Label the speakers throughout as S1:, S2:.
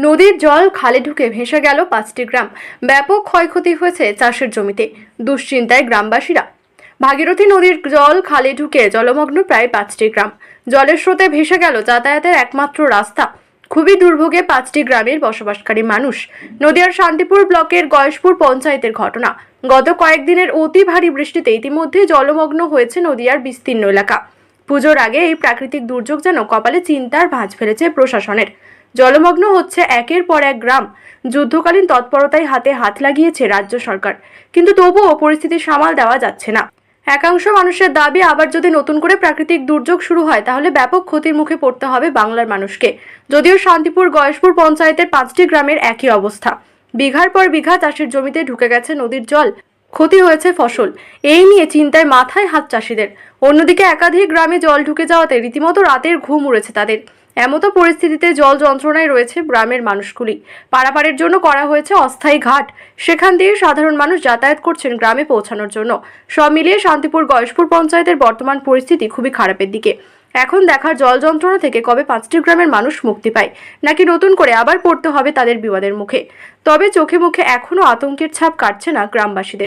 S1: নদীর জল খালে ঢুকে ভেসে গেল 5টি গ্রাম। ব্যাপক ক্ষয়ক্ষতি হয়েছে চাষের জমিতে। দুশ্চিন্তায় গ্রামবাসীরা। ভাগীরথী নদীর জল খালে ঢুকে জলমগ্ন প্রায় 5টি গ্রাম। জলের স্রোতে ভেসে গেল যাতায়াতের একমাত্র রাস্তা। খুবই দুর্ভোগে 5টি গ্রামের বসবাসকারী মানুষ। নদিয়ার শান্তিপুর ব্লকের গয়েশপুর পঞ্চায়েতের ঘটনা। গত কয়েকদিনের অতি ভারী বৃষ্টিতে ইতিমধ্যে জলমগ্ন হয়েছে নদিয়ার বিস্তীর্ণ এলাকা। পুজোর আগে এই প্রাকৃতিক দুর্যোগ যেন কপালে চিন্তার ভাঁজ ফেলেছে প্রশাসনের। জলমগ্ন হচ্ছে একের পর এক গ্রাম। যুদ্ধকালীন তৎপরতায় হাতে হাত লাগিয়েছে রাজ্য সরকার, কিন্তু তবুও পরিস্থিতি সামাল দেওয়া যাচ্ছে না। একাংশ মানুষের দাবি, আবার যদি নতুন করে প্রাকৃতিক দুর্যোগ শুরু হয় তাহলে ব্যাপক ক্ষতির মুখে পড়তে হবে বাংলার মানুষকে। যদিও শান্তিপুর গয়েশপুর পঞ্চায়েতের 5টি গ্রামের একই অবস্থা। বিঘার পর বিঘা চাষের জমিতে ঢুকে গেছে নদীর জল। ক্ষতি হয়েছে ফসল। এই নিয়ে চিন্তায় মাথায় হাত চাষিদের। অন্যদিকে একাধিক গ্রামে জল ঢুকে যাওয়াতে রীতিমতো রাতের ঘুম উড়েছে তাদের। এমতো পরিস্থিতিতে জল যন্ত্রণায় রয়েছে গ্রামের মানুষগুলি। পারাপারের জন্য করা হয়েছে অস্থায়ী ঘাট। সেখান দিয়ে সাধারণ মানুষ যাতায়াত করছেন গ্রামে পৌঁছানোর জন্য। সব মিলিয়ে শান্তিপুর গয়েশপুর পঞ্চায়েতের বর্তমান পরিস্থিতি খুবই খারাপের দিকে। এখন দেখার জল যন্ত্রণা থেকে কবে 5টি গ্রামের মানুষ মুক্তি পায়, নাকি নতুন করে আবার পড়তে হবে তাদের বিপদের মুখে। তবে চোখে মুখে এখনো আতঙ্কের ছাপ কাটছে না গ্রামবাসীদের।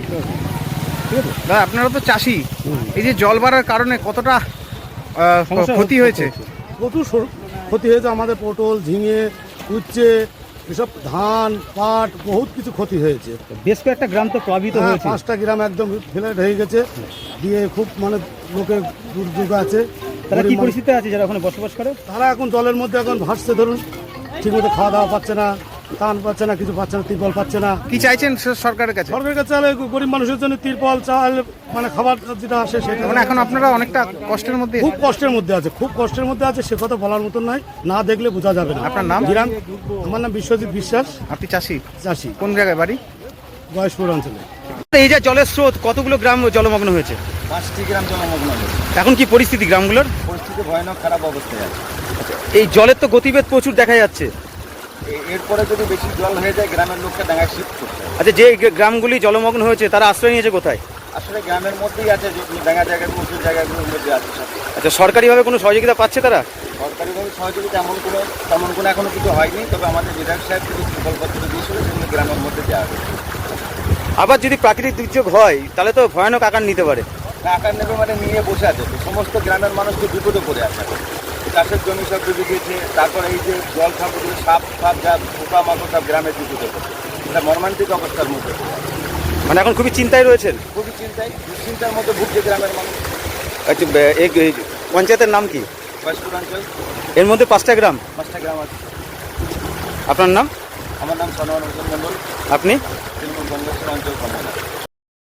S2: আপনারা তো চাষি, এই যে জল বাড়ার কারণে কতটা ক্ষতি হয়েছে?
S3: প্রচুর ক্ষতি হয়েছে। আমাদের পটল, ঝিঙে, উচ্ছে, এসব ধান, পাট, বহুত কিছু ক্ষতি হয়েছে।
S4: বেশ কয়েকটা গ্রাম তো প্লাবিত হয়েছে।
S3: 5টা গ্রাম একদম ফ্ল্যাট হয়ে গেছে, দিয়ে খুব মানে লোকের দুর্যোগ আছে।
S4: তারা কি পরিস্থিতি আছে যারা ওখানে বসবাস করে?
S3: তারা এখন জলের মধ্যে এখন ভাসছে, ধরুন ঠিকমতো খাওয়া দাওয়া পাচ্ছে না, টান পাচ্ছে না, কিছু পাচ্ছে না, তিরপল পাচ্ছে না।
S2: কি চাইছেন সরকারের কাছে?
S3: সরকারের কাছে চাইলে গরিব মানুষের জন্য তিরপল, চাল, মানে খাবার যেটা আসে সেটা।
S2: মানে এখন আপনারা অনেকটা কষ্টের মধ্যে?
S3: খুব কষ্টের মধ্যে আছে, খুব কষ্টের মধ্যে আছে। সে কথা বলার মতন নয়, না দেখলে বোঝা যাবে না।
S2: আপনার নাম?
S3: আমার নাম বিশ্বজিৎ বিশ্বাস।
S2: আপনি চাষি?
S3: চাষি।
S2: কোন জায়গায় বাড়ি?
S3: গয়েশপুর অঞ্চলে।
S4: এই যে জলের স্রোত, কতগুলো গ্রাম জলমগ্ন হয়েছে?
S5: 5টি গ্রাম জলমগ্ন হয়েছে।
S4: এখন কি পরিস্থিতি গ্রামগুলোর?
S5: পরিস্থিতি ভয়ানক খারাপ অবস্থায় আছে।
S4: এই জলের তো গতিবেগ প্রচুর দেখা যাচ্ছে।
S5: এরপরে যদি বেশি জল হয়ে যায় গ্রামের লোককে ডাঙায় শিফট করতে হবে।
S4: আচ্ছা, যে গ্রামগুলি জলমগ্ন হয়েছে তারা আশ্রয় নিয়েছে কোথায়?
S5: আসলে গ্রামের মধ্যেই আছে, ডাঙা জায়গাগুলো, উঁচু জায়গাগুলোর মধ্যে আছে সব।
S4: আচ্ছা, সরকারিভাবে কোনো সহযোগিতা পাচ্ছে তারা?
S5: সরকারিভাবে সহযোগিতা তেমন কোনো এখনো কিছু হয়নি, তবে আমাদের বিধায়ক সাহেব কিছু প্রকল্পত্র দিয়েছিল, সেগুলো গ্রামের মধ্যে দেওয়া হবে।
S4: আবার যদি প্রাকৃতিক দুর্যোগ হয় তাহলে তো ভয়ানক আকার নিতে পারে।
S5: আকার নেবে মানে নিয়ে বসে আছে তো, সমস্ত গ্রামের মানুষ তো বিপদে পড়ে আছে। চাষের জমি সব ডুবে গিয়েছে, তারপরে এই যে জল খাবগুলো, সাপ যা পোকা মাকড় সব গ্রামের বিপদে পড়ে। এটা মর্মান্তিক অবস্থার মধ্যে।
S4: মানে এখন খুবই চিন্তায় রয়েছেন?
S5: খুবই দুশ্চিন্তার মধ্যে ভুগছে গ্রামের মানুষ।
S4: আচ্ছা, এই পঞ্চায়েতের নাম কি?
S5: গয়েশপুর অঞ্চল।
S4: এর মধ্যে 5টা গ্রাম?
S5: 5টা গ্রাম আছে।
S4: আপনার নাম?
S5: আমার নাম সনোয়ার হোসেন মন্ডল।
S4: আপনি?